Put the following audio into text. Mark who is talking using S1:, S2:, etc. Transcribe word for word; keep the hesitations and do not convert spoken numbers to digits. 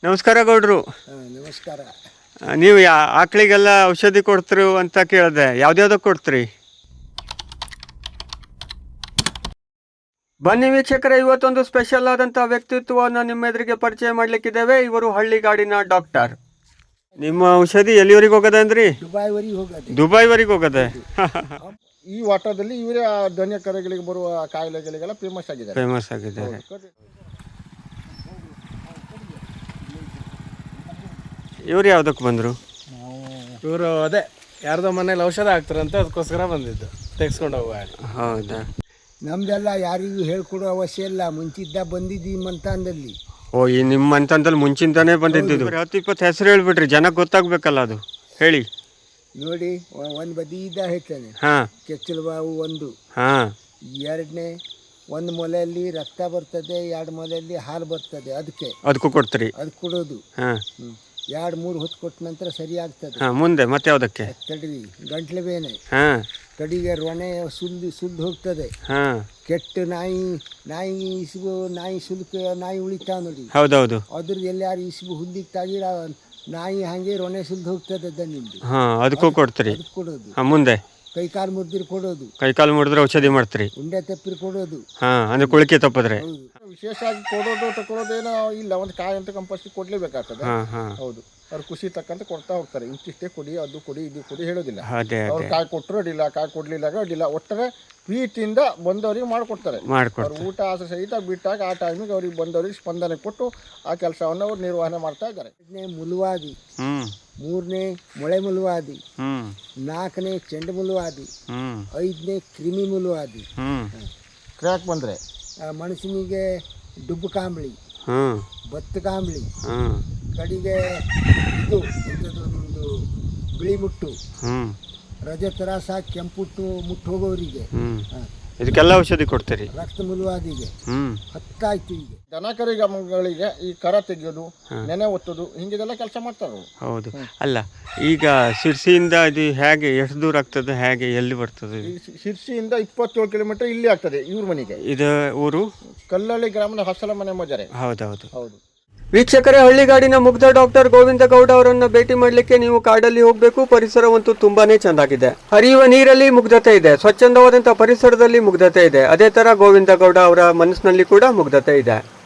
S1: ನಮಸ್ಕಾರ ಗೌಡ್ರು.
S2: ನಮಸ್ಕಾರ.
S1: ನೀವು ಯಾ ಆಕಳಿಗೆಲ್ಲ ಔಷಧಿ ಕೊಡ್ತೀರಿ ಅಂತ ಕೇಳಿದೆ, ಯಾವ್ದ್ಯಾವ್ದಕ್ಕೆ ಕೊಡ್ತೀರಿ? ಬನ್ನಿ ವೀಕ್ಷಕರೇ, ಇವತ್ತೊಂದು ಸ್ಪೆಷಲ್ ಆದಂಥ ವ್ಯಕ್ತಿತ್ವವನ್ನು ನಿಮ್ಮ ಎದುರಿಗೆ ಪರಿಚಯ ಮಾಡಲಿಕ್ಕಿದ್ದೇವೆ. ಇವರು ಹಳ್ಳಿಗಾಡಿನ ಡಾಕ್ಟರ್. ನಿಮ್ಮ ಔಷಧಿ ಎಲ್ಲಿವರೆಗೆ ಹೋಗದೆ ಅಂದ್ರಿ?
S2: ದುಬೈವರೆಗೆ ಹೋಗದೆ.
S1: ದುಬೈವರೆಗೆ ಹೋಗದೆ.
S2: ಈ ವಾಟದಲ್ಲಿ ಇವರೇ ದನ ಕರುಗಳಿಗೆ ಬರುವ ಕಾಯಿಲೆಗಳಿಗೆಲ್ಲ ಫೇಮಸ್ ಆಗಿದ್ದಾರೆ.
S1: ಫೇಮಸ್ ಆಗಿದ್ದಾರೆ. ಇವ್ರು ಯಾವುದಕ್ಕೆ ಬಂದರು?
S3: ಇವರು ಅದೇ ಯಾರ್ದೋ ಮನೇಲಿ ಔಷಧ ಹಾಕ್ತಾರಂತ, ಅದಕ್ಕೋಸ್ಕರ ಬಂದಿದ್ದು ತೆಗೆಸ್ಕೊಂಡು ಹೋಗುವ.
S1: ಹೌದಾ?
S2: ನಮ್ದೆಲ್ಲ ಯಾರಿಗೂ ಹೇಳ್ಕೊಡೋ ಅವಶ್ಯ ಇಲ್ಲ, ಮುಂಚಿದ್ದ ಬಂದಿದ್ದೀವಿ ಮಂತಾನದಲ್ಲಿ.
S1: ಓ, ಈ ನಿಮ್ಮ ಮಂತಾನದಲ್ಲಿ ಮುಂಚಿಂದಾನೇ ಬಂದಿದ್ದು. ಹತ್ತು ಇಪ್ಪತ್ತು ಹೆಸರು ಹೇಳ್ಬಿಟ್ರಿ, ಜನಕ್ಕೆ ಗೊತ್ತಾಗ್ಬೇಕಲ್ಲ, ಅದು ಹೇಳಿ.
S2: ನೋಡಿ, ಒಂದು ಬದಿಯಿಂದ ಹೇಳ್ತಾನೆ.
S1: ಹಾಂ.
S2: ಕೆಚ್ಚಲು ಬಾವು ಒಂದು.
S1: ಹಾಂ.
S2: ಎರಡನೇ, ಒಂದು ಮೊಲೆಯಲ್ಲಿ ರಕ್ತ ಬರ್ತದೆ, ಎರಡು ಮೊಲೆಯಲ್ಲಿ ಹಾಲು ಬರ್ತದೆ, ಅದಕ್ಕೆ
S1: ಅದಕ್ಕೂ ಕೊಡ್ತೀರಿ?
S2: ಅದು ಕೊಡೋದು.
S1: ಹಾಂ.
S2: ಎರಡು ಮೂರು ಹೊತ್ತು ಕೊಟ್ಟ ನಂತರ ಸರಿ ಆಗ್ತದೆ.
S1: ಹಾಂ. ಮುಂದೆ ಮತ್ತೆ ಯಾವುದಕ್ಕೆ?
S2: ತಡ್ರಿ, ಗಂಟ್ಲು ಬೇನೆ.
S1: ಹಾಂ.
S2: ಕಡಿಗೆ ರೊಣೆ ಸುಲ್ದು ಸುಲ್ದು ಹೋಗ್ತದೆ.
S1: ಹಾಂ.
S2: ಕೆಟ್ಟ ನಾಯಿ ನಾಯಿ ಇಸುಬು ನಾಯಿ ಸುಲ್ಕ ನಾಯಿ ಉಳಿತಾವ ನೋಡಿ.
S1: ಹೌದೌದು.
S2: ಅದ್ರದ್ದು ಎಲ್ಲಾರು ಇಸುಬು ಹುಲ್ಲಿಗೆ ತಾಗಿರ ನಾಯಿ ಹಾಗೆ ರೊಣೆ ಸುಲ್ದು ಹೋಗ್ತದೆ ದನಿಂದು.
S1: ಹಾಂ, ಅದಕ್ಕೂ ಕೊಡ್ತೀರಿ?
S2: ಅದಕ್ಕೆ ಕೊಡೋದು.
S1: ಹಾಂ. ಮುಂದೆ
S2: ಕೈ ಕಾಲು ಮುರಿದ್ರೆ ಕೊಡೋದು.
S1: ಕೈ ಕಾಲು ಮುರಿದ್ರೆ ಔಷಧಿ ಮಾಡ್ತೀರಿ?
S2: ಉಂಡೆ ತಪ್ಪಿರಿ ಕೊಡೋದು.
S1: ಹಾಂ, ಅಂದ್ರೆ ಕುಳಿಕೆ ತಪ್ಪಿದ್ರೆ?
S2: ವಿಶೇಷವಾಗಿ ಕೊಡೋದು ತಗೊಳ್ಳೋದೇನೋ ಇಲ್ಲ, ಒಂದು ಕಾಯಿ ಅಂತ ಕಂಪಲ್ಸರಿ ಕೊಡ್ಲೇಬೇಕಾಗ್ತದೆ.
S1: ಹಾಂ ಹಾಂ.
S2: ಹೌದು, ಅವ್ರು ಖುಷಿ ತಕ್ಕಂತ ಕೊಡ್ತಾ ಹೋಗ್ತಾರೆ. ಇಂತಿಷ್ಟೇ ಕೊಡಿ, ಅದು ಕೊಡಿ, ಇದು ಕೊಡಿ ಹೇಳೋದಿಲ್ಲ.
S1: ಅದೇ
S2: ಅವ್ರು
S1: ಅದೇ
S2: ಕಾಯಿ ಕೊಟ್ಟರು ಅಡ್ಡಿಲ್ಲ, ಕಾಯಿ ಕೊಡ್ಲಿಲ್ಲ ಅಡ್ಡಿಲ್ಲ, ಒಟ್ಟಾರೆ ಪ್ರೀತಿಯಿಂದ ಬಂದವರಿಗೆ ಮಾಡಿಕೊಡ್ತಾರೆ.
S1: ಮಾಡ್ಕೊಡ್ತಾರೆ.
S2: ಅವ್ರು ಊಟ ಆಸೆ ಸಹಿತ ಬಿಟ್ಟಾಗ ಆ ಟೈಮಿಗೆ ಅವ್ರಿಗೆ ಬಂದವರಿಗೆ ಸ್ಪಂದನೆ ಕೊಟ್ಟು ಆ ಕೆಲಸವನ್ನು ಅವ್ರು ನಿರ್ವಹಣೆ ಮಾಡ್ತಾ ಇದ್ದಾರೆ. ಎರಡನೇ ಮುಲುವಾದಿ.
S1: ಹ್ಮ್.
S2: ಮೂರನೇ ಮೊಳೆ ಮುಲುವಾದಿ.
S1: ಹ್ಮ್.
S2: ನಾಲ್ಕನೇ ಚೆಂಡು ಮುಲುವಾದಿ.
S1: ಹ್ಮ್.
S2: ಐದನೇ ಕ್ರಿಮಿ ಮುಲುವಾದಿ.
S1: ಹ್ಮ್.
S2: ಕ್ರ್ಯಾಕ್ ಬಂದರೆ ಮನುಷ್ಯನಿಗೆ ಡುಬ್ಬು ಕಾಂಬಳಿ,
S1: ಹ್ಮ್,
S2: ಭತ್ತ ಕಾಂಬಳಿ,
S1: ಹ್ಮ್,
S2: ಕಡೆಗೆ ಇದು ಎಂಥದ್ದು ನಿಮ್ಮದು ಬಿಳಿ ಮುಟ್ಟು,
S1: ಹ್ಮ್,
S2: ರಜತರಾಸ, ಕೆಂಪುಟ್ಟು ಮುಟ್ಟು ಹೋಗೋರಿಗೆ,
S1: ಹ್ಮ್, ಇದಕ್ಕೆಲ್ಲ ಔಷಧಿ ಕೊಡ್ತೀರಿ?
S2: ರಕ್ತ ಮುಲುವಾದಿಗೆ.
S1: ಹ್ಮ್.
S2: ಹತ್ತಾಯ್ತು. ಈಗ ದನ ಕರುಗಳಿಗೆ ಈ ಕರ ತೆಗೆಯೋದು, ನೆನೆ ಒತ್ತೋದು, ಹಿಂಗಿದೆಲ್ಲ ಕೆಲಸ ಮಾಡ್ತಾರೆ.
S1: ಹೌದು. ಅಲ್ಲ, ಈಗ ಶಿರ್ಸಿಯಿಂದ ಇದು ಹೇಗೆ ಎಷ್ಟು ದೂರ ಆಗ್ತದೆ, ಹೇಗೆ ಎಲ್ಲಿ ಬರ್ತದೆ?
S2: ಶಿರ್ಸಿಯಿಂದ ಇಪ್ಪತ್ತೇಳು ಕಿಲೋಮೀಟರ್ ಇಲ್ಲಿ ಆಗ್ತದೆ ಇವ್ರ ಮನೆಗೆ.
S1: ಇದು ಊರು
S2: ಕಲ್ಲಳ್ಳಿ ಗ್ರಾಮದ ಹಸಲ ಮನೆ ಮಜರೆ.
S1: ಹೌದೌದು.
S2: ಹೌದು.
S1: ವೀಕ್ಷಕರೇ, ಹಳ್ಳಿಗಾಡಿನ ಮುಗ್ಧ ಡಾಕ್ಟರ್ ಗೋವಿಂದ ಗೌಡ ಅವರನ್ನು ಭೇಟಿ ಮಾಡಲಿಕ್ಕೆ ನೀವು ಕಾಡಲ್ಲಿ ಹೋಗಬೇಕು. ಪರಿಸರವಂತೂ ತುಂಬಾನೇ ಚೆಂದಾಗಿದೆ. ಹರಿಯುವ ನೀರಲ್ಲಿ ಮುಗ್ಧತೆ ಇದೆ, ಸ್ವಚ್ಛಂದವಾದಂತಹ ಪರಿಸರದಲ್ಲಿ ಮುಗ್ಧತೆ ಇದೆ. ಅದೇ ತರ ಗೋವಿಂದ ಗೌಡ ಅವರ ಮನಸ್ಸಿನಲ್ಲಿ ಕೂಡ ಮುಗ್ಧತೆ ಇದೆ.